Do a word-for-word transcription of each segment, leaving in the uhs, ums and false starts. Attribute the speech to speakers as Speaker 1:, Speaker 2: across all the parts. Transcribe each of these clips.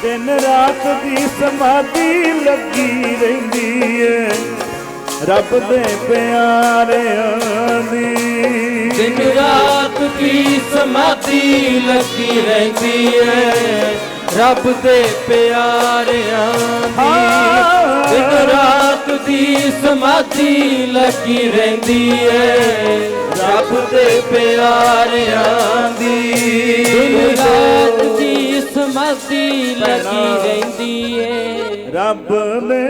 Speaker 1: दिन रात दी समाधि लगी रहिंदी है रब दे प्यारियां दी।
Speaker 2: दिन रात की समाधि लगी रहिंदी है रब दे प्यारियां दी। दिन रात दी समाधि लगी रहिंदी है रब दे प्यारियां दी। दिन रात दी समाधि लगी रहिंदी है
Speaker 1: रब ने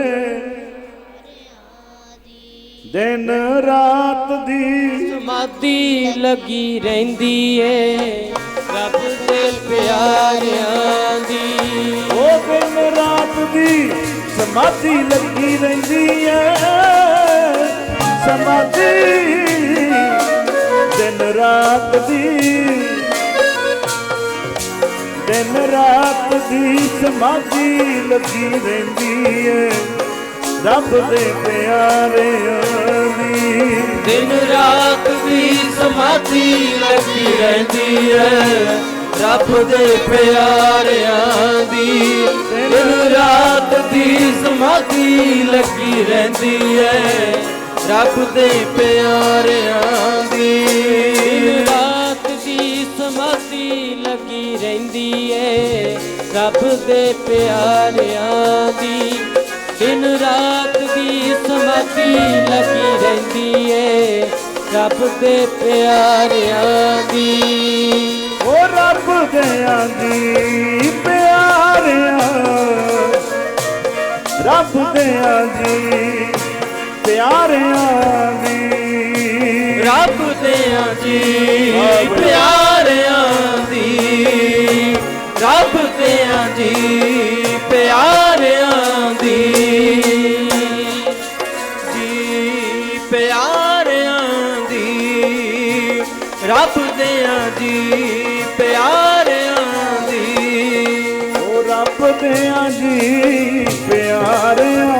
Speaker 1: दिन रात दी
Speaker 2: समाधि लगी रहिंदी है रब दे प्यारियां दी।
Speaker 1: ओ दिन रात दी समाधि लगी रहिंदी है समाधि दिन रात दी दिन रात दी समाधि लगी रहिंदी है रब दे प्यारियां दी।
Speaker 2: दिन रात दी समाधि लगी रहिंदी है रब दे प्यारियां दी। दिन रात दी समाधि लगी रहिंदी है रब दे प्यारियां दी। दिन रात दी समाधि लगी रहिंदी है रब दे प्यारियां दी। दिन रात दी समाधि लगी रहिंदी है रब दे प्यारियां दी।
Speaker 1: ओ रब दियां दी प्यारियां रब दियां दी प्यारियां दी।
Speaker 2: रब दियां जी प्यारियां दी रब दियां जी प्यारियां दी। जी प्यारियां दी रब दियां जी प्यारियां दी।
Speaker 1: ओ रब दियां जी प्यारियां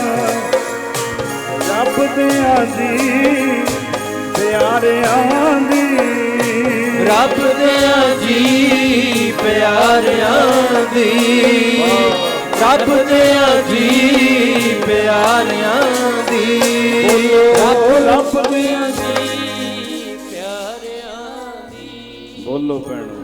Speaker 1: रब दियां जी प्यारियां दी।
Speaker 2: रब दियां जी प्यारियां दी रब दियां जी प्यारियां दी। रब दियां जी प्यारियां दी।
Speaker 1: बोलो भैणो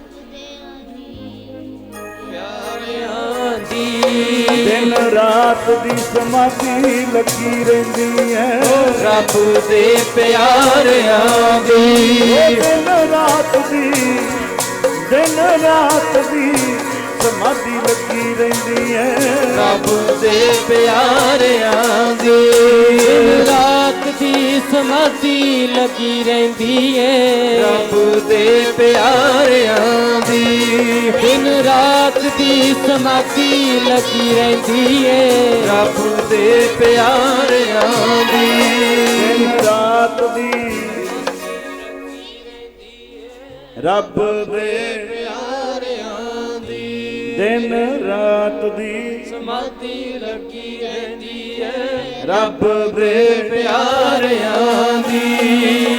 Speaker 2: प्यारियां दी।
Speaker 1: दिन रात दी समाधि लगी रहिंदी है
Speaker 2: रब दे प्यारियां दी।
Speaker 1: दिन रात दी दिन रात दी समाधि लगी रहिंदी है
Speaker 2: रब दे प्यारियां दी। दिन रात दी समाधि लगी रहिंदी है रब दे प्यारियां दी। दिन रात दी समाधि लगी रहिंदी है रब दे प्यारियां दी।
Speaker 1: दिन रात दी रब दे
Speaker 2: प्यारियां दी।
Speaker 1: दिन रात दी
Speaker 2: समाधि लगी रहिंदी है
Speaker 1: रब दे
Speaker 2: प्यारियां दी।